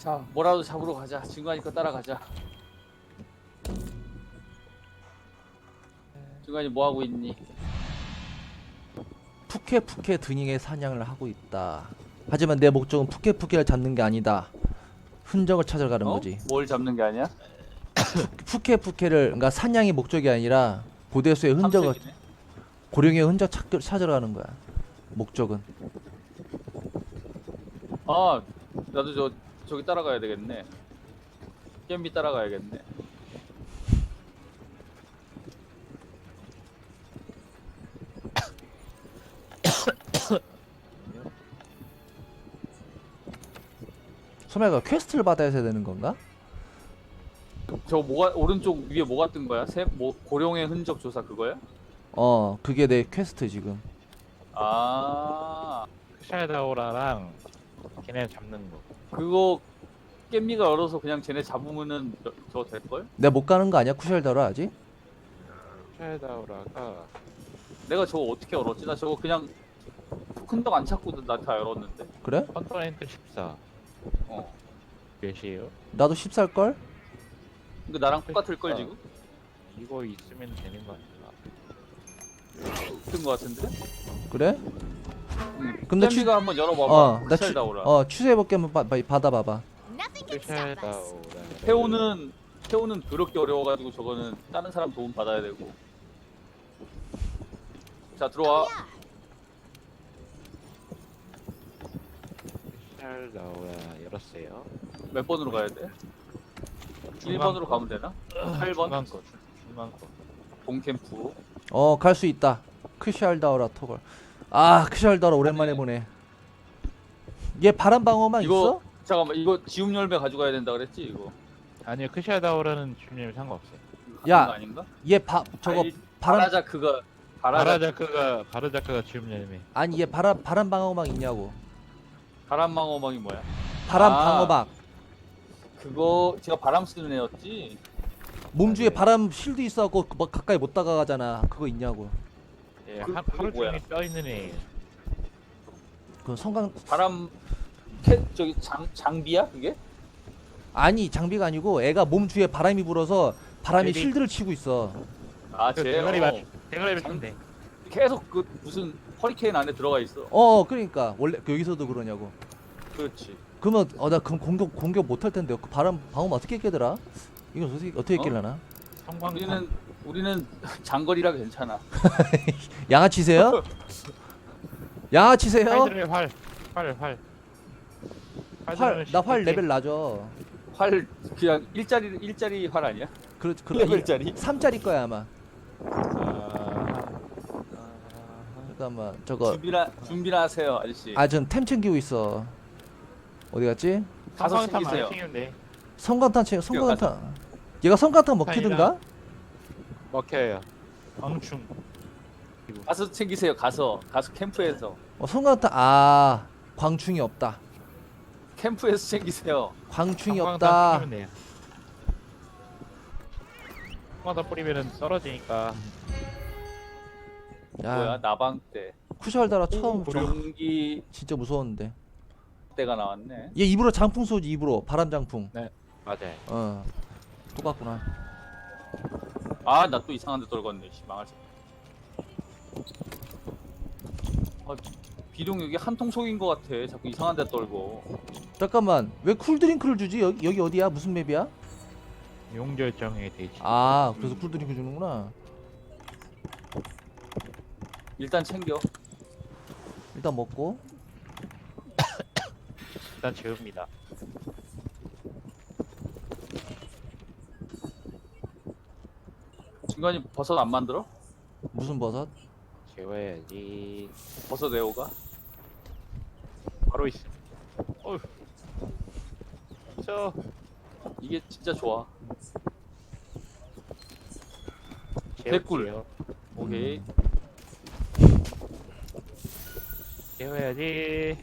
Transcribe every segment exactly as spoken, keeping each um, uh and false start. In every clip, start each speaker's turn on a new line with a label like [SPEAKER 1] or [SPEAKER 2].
[SPEAKER 1] 자, 뭐라도 잡으러 가자. 중간이 거 따라가자. 중간이 뭐 하고 있니?
[SPEAKER 2] 푸케푸케 드닝의 사냥을 하고 있다. 하지만 내 목적은 푸케푸케를 잡는 게 아니다. 흔적을 찾으러 가는
[SPEAKER 1] 어?
[SPEAKER 2] 거지.
[SPEAKER 1] 뭘 잡는 게 아니야?
[SPEAKER 2] 푸케푸케를 그러니까 사냥이 목적이 아니라 고대수의 흔적을
[SPEAKER 1] 탐색이네.
[SPEAKER 2] 고령의 흔적 찾, 찾으러 가는 거야. 목적은.
[SPEAKER 1] 아, 나도 저 저기 따라가야 되겠네. 겜비 따라가야겠네.
[SPEAKER 2] 소매가 퀘스트를 받아야 되는 건가?
[SPEAKER 1] 저 뭐가 오른쪽 위에 뭐가 뜬 거야? 새, 뭐 고령의 흔적 조사 그거야?
[SPEAKER 2] 어, 그게 내 퀘스트 지금.
[SPEAKER 1] 아,
[SPEAKER 3] 샤다오라랑 걔네 잡는 거.
[SPEAKER 1] 그거 겜비가 얼어서 그냥 쟤네 잡으면은 저- 저거 될 걸?
[SPEAKER 2] 내가 못 가는 거 아니야? 쿠샬더라 아직?
[SPEAKER 3] 샤다오라가
[SPEAKER 1] 내가 저거 어떻게 얼었지? 나 저거 그냥 흔적 안 찾고도 나 다 열었는데.
[SPEAKER 2] 그래?
[SPEAKER 3] 컨퍼런트 십사
[SPEAKER 1] 어.
[SPEAKER 3] 몇이에요?
[SPEAKER 2] 나도 십살 걸?
[SPEAKER 1] 근데 나랑 똑같을 걸 지금?
[SPEAKER 3] 이거 있으면 되는 거 아닌가?
[SPEAKER 1] 뜬거 같은데?
[SPEAKER 2] 그래?
[SPEAKER 1] 응.
[SPEAKER 2] 근데
[SPEAKER 1] 겜비가 한번 열어봐봐.
[SPEAKER 2] 어, 나
[SPEAKER 1] 셀
[SPEAKER 2] 추,
[SPEAKER 1] 나오라.
[SPEAKER 2] 어, 추세해볼게 한번 바, 바, 받아봐봐.
[SPEAKER 4] Nothing can stop us.
[SPEAKER 3] 샤다오라.
[SPEAKER 1] 태우는 태우는 더럽게 어려워가지고 저거는 다른 사람 도움 받아야 되고. 자 들어와.
[SPEAKER 3] 샤다오라 열었어요.
[SPEAKER 1] 몇 번으로 가야 돼? 일 번으로 가면 되나? 팔 번
[SPEAKER 3] 중간 거, 중- 중간 거.
[SPEAKER 1] 동캠프.
[SPEAKER 2] 어, 갈 수 있다. 크샬다오라 토걸. 아, 크샬다오라 오랜만에 보네. 얘 바람 방어막
[SPEAKER 1] 이거
[SPEAKER 2] 있어?
[SPEAKER 1] 잠깐만 이거 지움 열매 가져가야 된다 그랬지 이거.
[SPEAKER 3] 아니요, 크샤다오라는 주님 상관없어요.
[SPEAKER 2] 야,
[SPEAKER 1] 그거 아닌가?
[SPEAKER 2] 얘 바, 저거
[SPEAKER 1] 아니,
[SPEAKER 2] 바람
[SPEAKER 1] 바라자 그거 바라자
[SPEAKER 3] 바라자크가 바라자크가 지금 열매.
[SPEAKER 2] 아니 얘 바람 바람 방어막 있냐고.
[SPEAKER 1] 바람망어망이 뭐야?
[SPEAKER 2] 바람
[SPEAKER 1] 아.
[SPEAKER 2] 방어막.
[SPEAKER 1] 그거 제가 바람 쓰는 애였지.
[SPEAKER 2] 몸주에
[SPEAKER 3] 아, 네.
[SPEAKER 2] 바람 실드 있어갖고 뭐 가까이 못 다가가잖아. 그거 있냐고.
[SPEAKER 3] 예,
[SPEAKER 1] 그-
[SPEAKER 3] 하,
[SPEAKER 1] 그게
[SPEAKER 3] 하루
[SPEAKER 1] 뭐야?
[SPEAKER 3] 종일 떠 있는 애.
[SPEAKER 2] 그 성강
[SPEAKER 1] 바람 캐 저기 장 장비야 그게?
[SPEAKER 2] 아니 장비가 아니고 애가 몸 주에 바람이 불어서 바람이
[SPEAKER 3] 제비.
[SPEAKER 2] 실드를 치고 있어.
[SPEAKER 1] 아
[SPEAKER 3] 그
[SPEAKER 1] 쟤.
[SPEAKER 3] 대가리
[SPEAKER 1] 어.
[SPEAKER 3] 맞 대가리 맞추면 돼.
[SPEAKER 1] 계속 그 무슨 허리케인 안에 들어가 있어.
[SPEAKER 2] 어, 그러니까 원래 그 여기서도 그러냐고.
[SPEAKER 1] 그렇지.
[SPEAKER 2] 그러면 어 나 그럼 공격 공격 못 할 텐데 그 바람 방어막 어떻게 깨더라? 이건 어떻게 어떻게
[SPEAKER 1] 어?
[SPEAKER 2] 깨려나?
[SPEAKER 3] 성광탄.
[SPEAKER 1] 우리는 우리는 장거리라 괜찮아.
[SPEAKER 2] 양아치세요? 양아치세요?
[SPEAKER 3] 활들의 활, 활, 활.
[SPEAKER 2] 활 나 활 레벨 낮어.
[SPEAKER 1] 활 그냥 일자리 일자리 활 아니야?
[SPEAKER 2] 그, 그
[SPEAKER 1] 레벨짜리?
[SPEAKER 2] 삼짜리 거야 아마.
[SPEAKER 3] 아,
[SPEAKER 2] 잠깐만 저거
[SPEAKER 1] 준비나 준비나 하세요 아저씨.
[SPEAKER 2] 아 전 템 챙기고 있어. 어디 갔지?
[SPEAKER 1] 가서
[SPEAKER 3] 성광탄 많이
[SPEAKER 1] 챙기세요.
[SPEAKER 3] 챙기면 돼.
[SPEAKER 2] 성광탄 챙 성광탄. 얘가 성광탄 먹히든가?
[SPEAKER 3] 먹혀요. 광충.
[SPEAKER 1] 가서 챙기세요. 가서 가서 캠프에서
[SPEAKER 2] 어, 성광탄 아 광충이 없다.
[SPEAKER 1] 캠프에서 챙기세요.
[SPEAKER 2] 광충이
[SPEAKER 3] 성광탄
[SPEAKER 2] 없다.
[SPEAKER 3] 뿌리면 돼요. 성광탄 뿌리면은 떨어지니까.
[SPEAKER 1] 뭐야
[SPEAKER 2] 야
[SPEAKER 1] 나방 때
[SPEAKER 2] 쿠샬다라 처음 좀
[SPEAKER 1] 용기
[SPEAKER 2] 진짜 무서웠는데.
[SPEAKER 1] 때가 나왔네.
[SPEAKER 2] 얘 입으로 장풍 쏘지 입으로 바람 장풍.
[SPEAKER 3] 맞아요.
[SPEAKER 2] 어 똑같구나.
[SPEAKER 1] 아 나 또 이상한 데 떨궜네. 씨 망할 새. 아, 비룡 여기 한통 속인 것 같아. 자꾸 이상한 데 떨고.
[SPEAKER 2] 잠깐만 왜 쿨드링크를 주지? 여기 여기 어디야? 무슨 맵이야?
[SPEAKER 3] 용절정의 대지.
[SPEAKER 2] 아 그래서
[SPEAKER 1] 음.
[SPEAKER 2] 쿨드링크 주는구나.
[SPEAKER 1] 일단 챙겨.
[SPEAKER 2] 일단 먹고.
[SPEAKER 3] 일단 재웁니다.
[SPEAKER 1] 중간에 버섯 안 만들어?
[SPEAKER 2] 무슨 버섯?
[SPEAKER 3] 재워야지.
[SPEAKER 1] 버섯 애호가?
[SPEAKER 3] 바로 있어. 어휴. 저
[SPEAKER 1] 이게 진짜 좋아.
[SPEAKER 3] 재울게요.
[SPEAKER 1] 오케이.
[SPEAKER 2] 음.
[SPEAKER 3] 재워야지.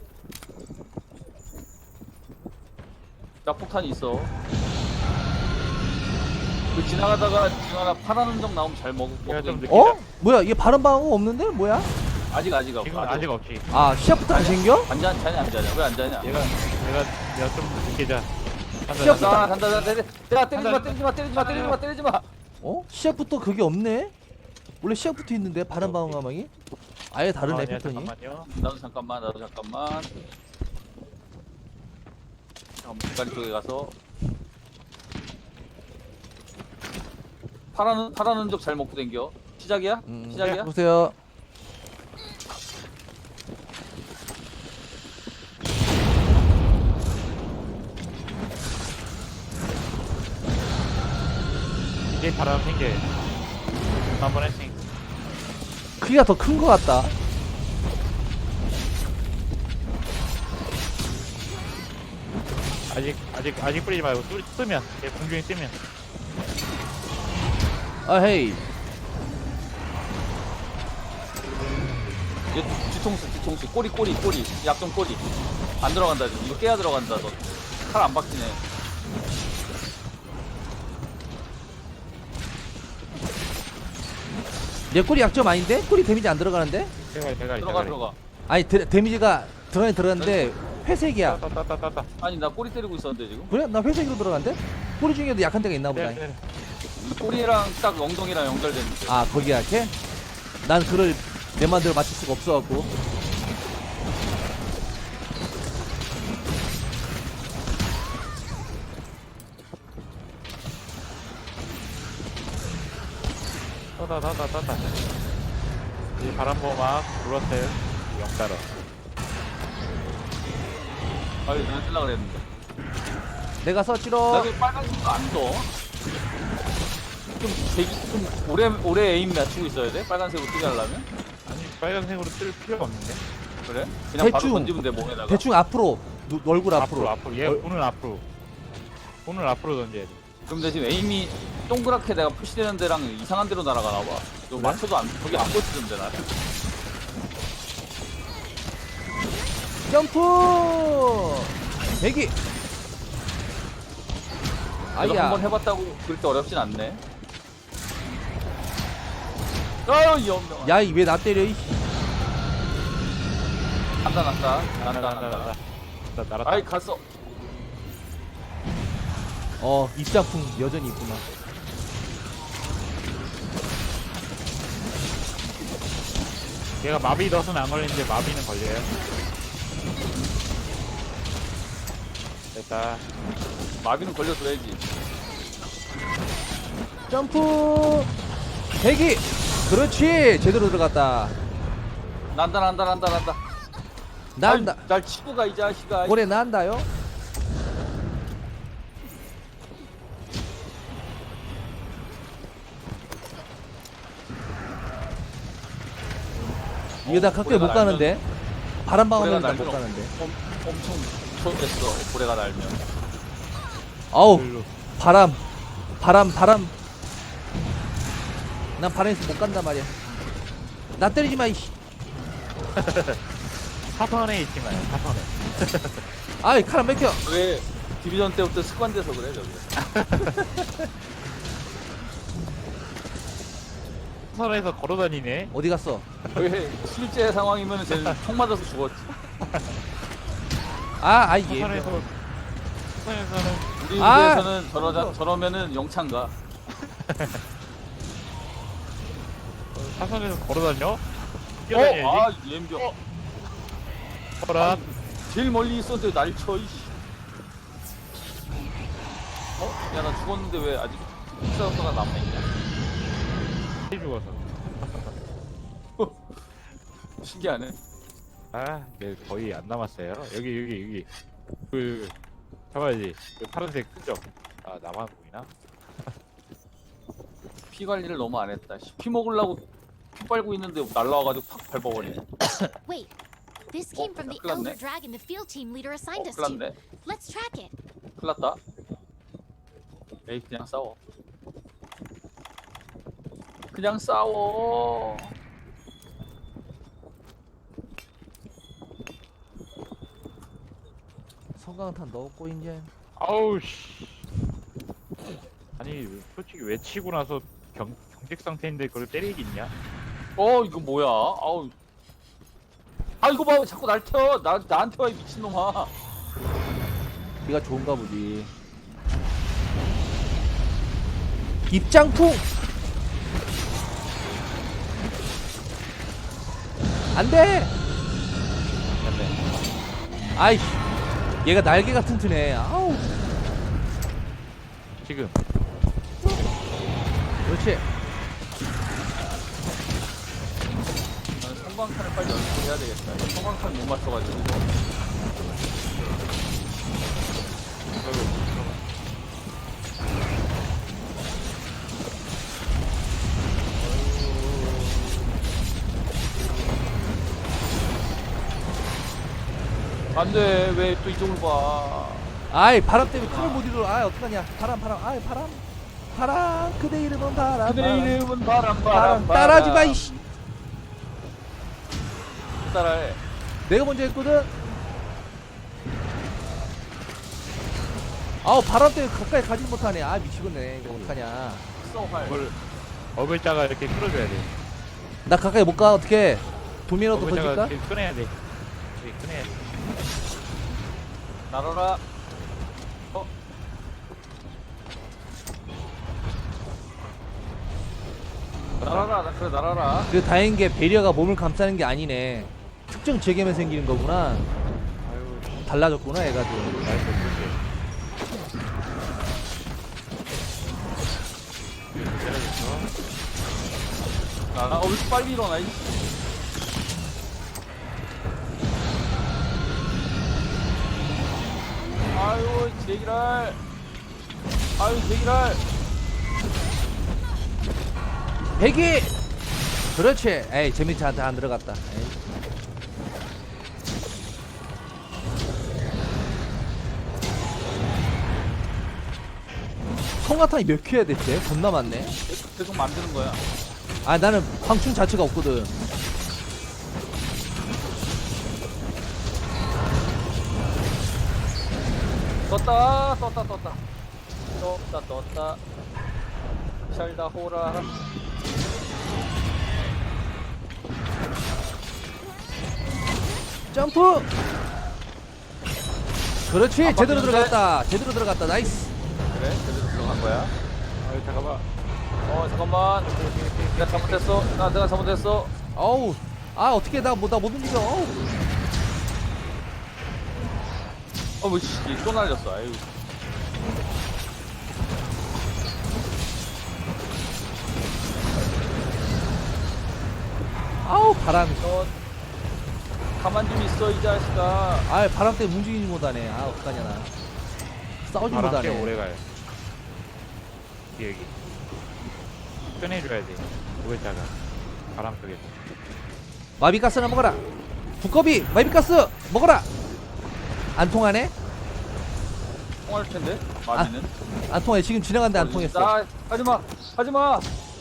[SPEAKER 1] 나 폭탄이 있어. 그 지나가다가 지나가 파란 흔적 나오면 잘 먹을
[SPEAKER 3] 내가 좀
[SPEAKER 1] 거거든.
[SPEAKER 3] 늦게
[SPEAKER 2] 어? 뭐야 얘 바람 방어 없는데? 뭐야?
[SPEAKER 1] 아직 아직 없.
[SPEAKER 3] 지금 아직 없지.
[SPEAKER 2] 아 시작부터 안 생겨?
[SPEAKER 1] 안자 자냐 안 자냐 왜 안 자냐?
[SPEAKER 3] 얘가 내가 내가 좀 늦게 자.
[SPEAKER 2] 시작부터
[SPEAKER 1] 간다 간다 간다 때리 야 때리지 마 때리지 마 때리지 마 때리지 마 때리지 마.
[SPEAKER 2] 어? 시작부터 그게 없네? 원래 시작부터 있는데 바람방어 가망이? 아예 다르네 패턴이.
[SPEAKER 3] 잠깐만요.
[SPEAKER 1] 나도 잠깐만 나도 잠깐만. 잠깐만 대가리 쪽에 가서 파라는 파라는 적 잘 먹고 댕겨. 시작이야?
[SPEAKER 2] 음,
[SPEAKER 1] 시작이야?
[SPEAKER 2] 보세요.
[SPEAKER 3] 이제 바람 생겨. 한번 했으니.
[SPEAKER 2] 크기가 더 큰 것 같다.
[SPEAKER 3] 아직 아직 아직 뿌리지 말고 쓰, 쓰면 얘 공중에 쓰면.
[SPEAKER 2] 아 헤이.
[SPEAKER 1] 얘 뒤통수 뒤통수 꼬리 꼬리 꼬리 약점 꼬리 안 들어간다 지금. 이거 깨야 들어간다. 너 칼 안 박히네.
[SPEAKER 2] 내 꼬리 약점 아닌데? 꼬리 데미지 안 들어가는데?
[SPEAKER 3] 대가리 대가리
[SPEAKER 1] 들어가 들어가.
[SPEAKER 2] 아니 데, 데미지가 들어가긴 들어갔는데 회색이야.
[SPEAKER 3] 따따따따따.
[SPEAKER 1] 아니 나 꼬리 때리고 있었는데 지금.
[SPEAKER 2] 그래? 나 회색으로 들어간대? 꼬리 중에도 약한 데가 있나 보다.
[SPEAKER 3] 네, 네.
[SPEAKER 1] 꼬리랑 딱 엉덩이랑 연결되는데.
[SPEAKER 2] 아 거기 약해? 난 그걸 내 맘대로 맞출 수가 없어갖고.
[SPEAKER 3] 따따따따따. 이 바람 보막 불었어요. 영따라.
[SPEAKER 1] 아니 내가 쓰려고 그랬는데.
[SPEAKER 2] 내가 썼지로.
[SPEAKER 1] 나왜 빨간색도 안 떠? 좀 대기 좀 오래 오래 에임 맞추고 있어야 돼? 빨간색으로 뜨게 하려면?
[SPEAKER 3] 아니 빨간색으로 뜰 필요가 없는데.
[SPEAKER 1] 그래? 그냥 바로
[SPEAKER 2] 대충.
[SPEAKER 1] 던지면 돼 몸에다가.
[SPEAKER 2] 대충 앞으로 누, 얼굴
[SPEAKER 3] 앞으로
[SPEAKER 2] 앞으로.
[SPEAKER 3] 앞으로. 얘
[SPEAKER 2] 얼-
[SPEAKER 3] 손을 앞으로. 손을 앞으로 던져야 돼.
[SPEAKER 1] 그럼 내 지금 에임이 동그랗게 내가 푸시되는 데랑 이상한 데로 날아가나 봐. 이거
[SPEAKER 2] 그래?
[SPEAKER 1] 맞춰도 안 거기 안 꽂히던데 나.
[SPEAKER 2] 점프. 대기.
[SPEAKER 1] 내가
[SPEAKER 2] 아야.
[SPEAKER 1] 한번 해봤다고 그렇게 어렵진 않네. 아유 이 엄청.
[SPEAKER 2] 야, 이 왜 나 때려? 이.
[SPEAKER 1] 난다 난다
[SPEAKER 3] 나나
[SPEAKER 1] 난다
[SPEAKER 3] 나나
[SPEAKER 1] 난다.
[SPEAKER 3] 나나. 나 날았다.
[SPEAKER 1] 아이 갔어.
[SPEAKER 2] 어, 입장풍 여전히 있구나.
[SPEAKER 3] 얘가 마비 덫은 안 걸리는데 마비는 걸려요. 됐다.
[SPEAKER 1] 마비는 걸려줘야지.
[SPEAKER 2] 점프. 대기. 그렇지. 제대로 들어갔다.
[SPEAKER 1] 난다 난다 난다 난다.
[SPEAKER 2] 난다.
[SPEAKER 1] 날, 날 치고 가 이 자식아.
[SPEAKER 2] 올해 난다요. 이거 나 가까이 못
[SPEAKER 1] 고래가
[SPEAKER 2] 가는데. 바람 방어면
[SPEAKER 1] 고래가
[SPEAKER 2] 나못
[SPEAKER 1] 날면
[SPEAKER 2] 가는데.
[SPEAKER 1] 엄, 엄청 초됐어 고래가 날면.
[SPEAKER 2] 아우.
[SPEAKER 3] 일로.
[SPEAKER 2] 바람. 바람 바람. 난 바람에서 못 간단 말이야. 나 때리지 마 이씨.
[SPEAKER 3] 사선에 있지만 사선에.
[SPEAKER 2] 아이 칼 안 맥혀.
[SPEAKER 1] 왜 디비전 때부터 습관돼서 그래 저기.
[SPEAKER 3] 사선에서 걸어다니네.
[SPEAKER 2] 어디 갔어?
[SPEAKER 1] 왜 실제 상황이면 쟤는 총 맞아서 죽었지.
[SPEAKER 2] 아, 아이 얘.
[SPEAKER 3] 사선에서 사선에서는
[SPEAKER 1] 우리
[SPEAKER 2] 아!
[SPEAKER 1] 무대에서는 저러자 저러면은 영창가.
[SPEAKER 3] 사선에서 걸어다녀?
[SPEAKER 1] 어?
[SPEAKER 3] 뛰어다녀야지.
[SPEAKER 1] 아 옌병.
[SPEAKER 3] 어? 허락.
[SPEAKER 1] 제일 멀리 있었는데 날 쳐. 이씨. 어? 야 나 죽었는데 왜 아직 흑사가 남아있냐?
[SPEAKER 3] 죽어서.
[SPEAKER 1] 신기하네.
[SPEAKER 3] 아, 네, 거의 안 남았어요. 여기 여기 여기. 그 잡아야지. 그 파란색 끈적. 아, 나만 보이나?
[SPEAKER 1] 피 관리를 너무 안 했다. 씨. 피 먹으려고 피 빨고 있는데 날라와가지고 팍 밟아버리네.
[SPEAKER 4] Wait, this came from the
[SPEAKER 1] 큰일 났네.
[SPEAKER 4] Elder Dragon the field team leader assigned
[SPEAKER 1] 어,
[SPEAKER 4] us
[SPEAKER 1] 큰일
[SPEAKER 4] to.
[SPEAKER 1] 났네.
[SPEAKER 4] Let's track it.
[SPEAKER 1] 큰일 났다. 에이 그냥 싸워. 그냥 싸워.
[SPEAKER 2] 성강탄 넣었고 이제.
[SPEAKER 3] 아우 씨. 아니, 솔직히 외치고 나서 경 경직 상태인데 그걸 때리겠냐?
[SPEAKER 1] 어 이거 뭐야? 아우 아 이거 봐 자꾸 날 켜. 나 나한테 와 이 미친놈아.
[SPEAKER 2] 네가 좋은가 보지. 입장풍. 안돼. 아이씨, 얘가 날개가 튼튼해. 아우.
[SPEAKER 3] 지금
[SPEAKER 2] 그렇지.
[SPEAKER 1] 난 성광탄을 빨리 연습해야 되겠다. 이거 성광탄 못 맞춰가지고. 안돼 왜 또 이쪽으로 봐.
[SPEAKER 2] 아이, 바람 때문에 칼을 못 이루어. 아이, 어떡하냐. 바람, 바람. 아이, 바람. 바람. 그대 이름은 바람.
[SPEAKER 1] 그대
[SPEAKER 2] 바람.
[SPEAKER 1] 이름은 바람 바람
[SPEAKER 2] 바람.
[SPEAKER 1] 바람.
[SPEAKER 2] 따라하지 마, 이씨.
[SPEAKER 1] 따라해.
[SPEAKER 2] 내가 먼저 했거든. 아우, 바람 때문에 가까이 가지 못하네. 아, 미치겠네. 이거 어떡하냐.
[SPEAKER 1] 써 활.
[SPEAKER 3] 이걸 어글자가 이렇게 끌어줘야 돼.
[SPEAKER 2] 나 가까이 못 가. 어떻게? 도미노도
[SPEAKER 3] 어글자가
[SPEAKER 2] 던질까?
[SPEAKER 3] 이렇게 꺼내야 돼. 이렇게 꺼내야 돼.
[SPEAKER 1] 날아라. 어? 날아라. 나- 그래 날아라.
[SPEAKER 2] 그 다행인 게 베리어가 몸을 감싸는 게 아니네. 특정 지역에만 생기는 거구나.
[SPEAKER 3] 아유,
[SPEAKER 2] 달라졌구나, 얘가 좀.
[SPEAKER 3] 나이스 그렇지.
[SPEAKER 1] 날아. 어, 왜 이렇게 빨리 일어나? 이. 아유 제기랄. 아유 제기랄.
[SPEAKER 2] 배기! 그렇지. 에이, 재밌지 않다. 안 들어갔다. 에이. 성가탄이 몇 큐야 됐대? 존나 많네.
[SPEAKER 1] 계속 만드는 거야.
[SPEAKER 2] 아, 나는 광충 자체가 없거든.
[SPEAKER 1] 떴다 떴다 떴다 떴다 떴다. 샬다 호라.
[SPEAKER 2] 점프! 그렇지.
[SPEAKER 1] 안
[SPEAKER 2] 제대로
[SPEAKER 1] 바뀌는데?
[SPEAKER 2] 들어갔다. 제대로 들어갔다. 나이스.
[SPEAKER 1] 그래 제대로 들어간 거야.
[SPEAKER 3] 아유 잠깐만.
[SPEAKER 1] 어 잠깐만. 내가 잘못했어. 나 내가 잘못했어.
[SPEAKER 2] 어우. 아, 어떻게 나 뭐 나 못 움직여. 어우.
[SPEAKER 1] 어뭐 씨, 또 날렸어. 아유.
[SPEAKER 2] 아우, 바람이.
[SPEAKER 1] 너 가만 좀 있어 이 자식아.
[SPEAKER 2] 아, 바람 때문에 움직이지 못하네. 아, 어떡하냐 나. 싸우지
[SPEAKER 3] 바람 꽤
[SPEAKER 2] 못하네.
[SPEAKER 3] 오래 가요. 여기 꺼내줘야 돼. 어글자가 바람 속에서.
[SPEAKER 2] 마비가스나 먹어라. 두꺼비 마비가스 먹어라. 안 통하네?
[SPEAKER 1] 통할 텐데. 마비는.
[SPEAKER 2] 안 통해. 지금 지나갔는데 안 통했어.
[SPEAKER 1] 나 하지마 하지마.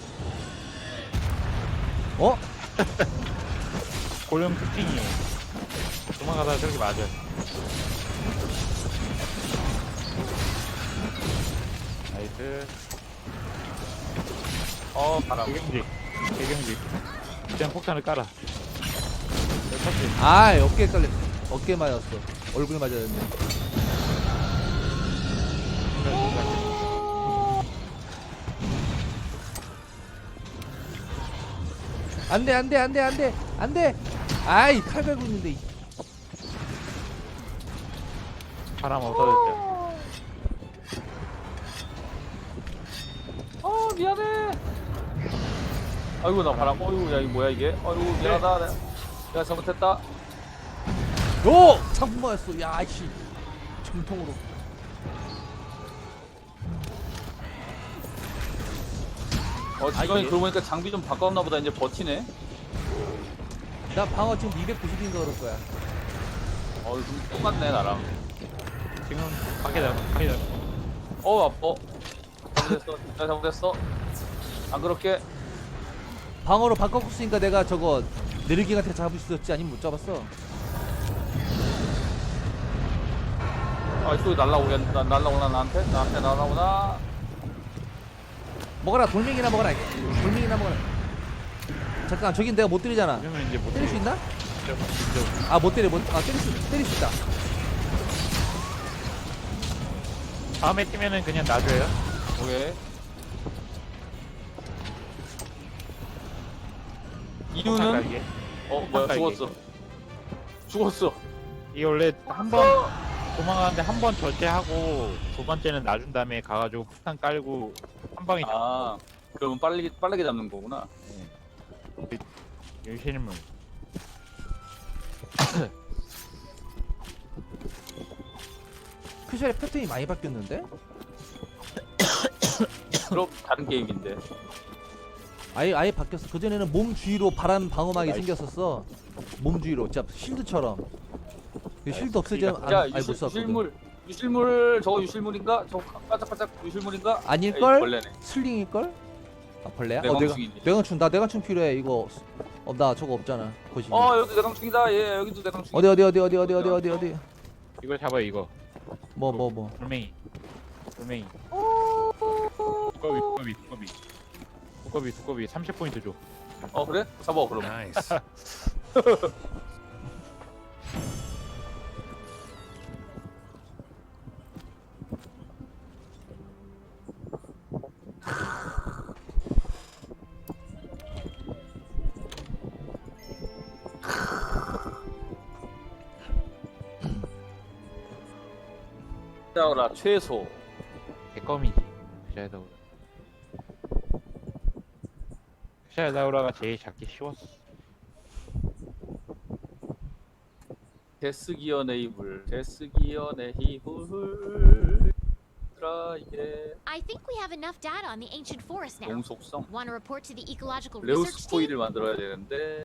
[SPEAKER 2] 어?
[SPEAKER 3] 고령 특징이 도망가다가 저렇게 맞아. 나이스.
[SPEAKER 1] 어 바람.
[SPEAKER 3] 개경지 개경지 그냥 폭탄을 깔아. 여기 탔지.
[SPEAKER 2] 아, 어깨에 깔려. 어깨 맞았어. 얼굴 맞았네. 안돼, 안돼, 안돼, 안돼, 안돼. 아이, 칼 갈고 있는데. 이-
[SPEAKER 3] 바람 없어졌죠.
[SPEAKER 1] 어 미안해. 아이고 나 바람. 어이구 야 이거 뭐야 이게. 아이고 미안하다. 내가, 내가 잘못했다.
[SPEAKER 2] 요! 상품 맞았어. 야, 씨. 정통으로.
[SPEAKER 1] 어
[SPEAKER 2] 아,
[SPEAKER 1] 지금이
[SPEAKER 2] 이게-
[SPEAKER 1] 그러고 보니까 장비 좀 바꿨나 보다. 이제 버티네.
[SPEAKER 2] 나 방어 지금 이백구십인가 그럴 거야.
[SPEAKER 1] 어 좀 똑같네 나랑.
[SPEAKER 3] 지금 밖에 나 밖에 나.
[SPEAKER 1] 어 아파. 잘못했어. 내가 잘못했어. 안 그렇게.
[SPEAKER 2] 방어로 바꿨으니까 내가 저거 느르기한테 잡을 수 있었지. 아니면 못 잡았어.
[SPEAKER 1] 아또 날라오겠 나 날라오나 나한테 나한테 날라오나.
[SPEAKER 2] 먹어라. 돌멩이나 먹어라. 돌멩이나 먹어라. 잠깐, 저긴 내가 못 때리잖아.
[SPEAKER 3] 그러면 이제 못
[SPEAKER 2] 때릴 수 있나? 아 못 때려 못아 때릴 수 때릴 수 있다.
[SPEAKER 3] 다음에 뛰면은 그냥 놔줘요.
[SPEAKER 1] 오케이. 이유는
[SPEAKER 3] 깔게.
[SPEAKER 1] 어 뭐야
[SPEAKER 3] 깔게.
[SPEAKER 1] 죽었어. 죽었어.
[SPEAKER 3] 이게 원래 한 번 도망가는데 한 번 절제하고 두 번째는 놔준 다음에 가가지고 폭탄 깔고 한 방에
[SPEAKER 1] 아 그러면 빠르게 빠르게 잡는 거구나.
[SPEAKER 3] 유실물.
[SPEAKER 2] 크샬의 패턴이 많이 바뀌었는데?
[SPEAKER 1] 그럼 다른 게임인데.
[SPEAKER 2] 아예 아예 바뀌었어. 그 전에는 몸 주위로 바람 방어막이
[SPEAKER 3] 나이스.
[SPEAKER 2] 생겼었어. 몸 주위로, 진짜 실드처럼. 그 실드 없어지면 안,
[SPEAKER 1] 야
[SPEAKER 2] 아예 못
[SPEAKER 1] 유실,
[SPEAKER 2] 쐈거든.
[SPEAKER 1] 유실물 유실물 저거 유실물인가? 저거 반짝반짝 유실물인가?
[SPEAKER 2] 아닐걸?
[SPEAKER 1] 에이, 벌레네.
[SPEAKER 2] 슬링일 걸? 아 벌레야? 어 내가
[SPEAKER 1] 내광충이네.
[SPEAKER 2] 내광충 나 내광충 필요해. 이거 어 나 저거 없잖아. 거시.
[SPEAKER 1] 어 여기도 내광충이다. 예 여기도 내광충.
[SPEAKER 2] 어디 어디 어디 어디 어디 어디 어디 어디.
[SPEAKER 3] 이걸 잡아요 이거.
[SPEAKER 2] 뭐 뭐 뭐.
[SPEAKER 3] 돌멩이. 돌멩이. 두꺼비 두꺼비 두꺼비. 두꺼비 두꺼비 삼십 포인트 줘.
[SPEAKER 1] 어 그래? 잡아 그럼.
[SPEAKER 5] Nice.
[SPEAKER 1] 짜오라 최소.
[SPEAKER 3] 개껌이지. 크샤이다우라. 크샤이다우라가 제일 잡기 쉬웠어.
[SPEAKER 1] 데스기어 네이블. 데스기어 네이블. 드라이게
[SPEAKER 4] I think we have enough data on the ancient forest now.
[SPEAKER 1] 용속성.
[SPEAKER 4] Want to report to the ecological
[SPEAKER 1] 레오
[SPEAKER 4] research team?
[SPEAKER 1] 스포이를 만들어야 되는데.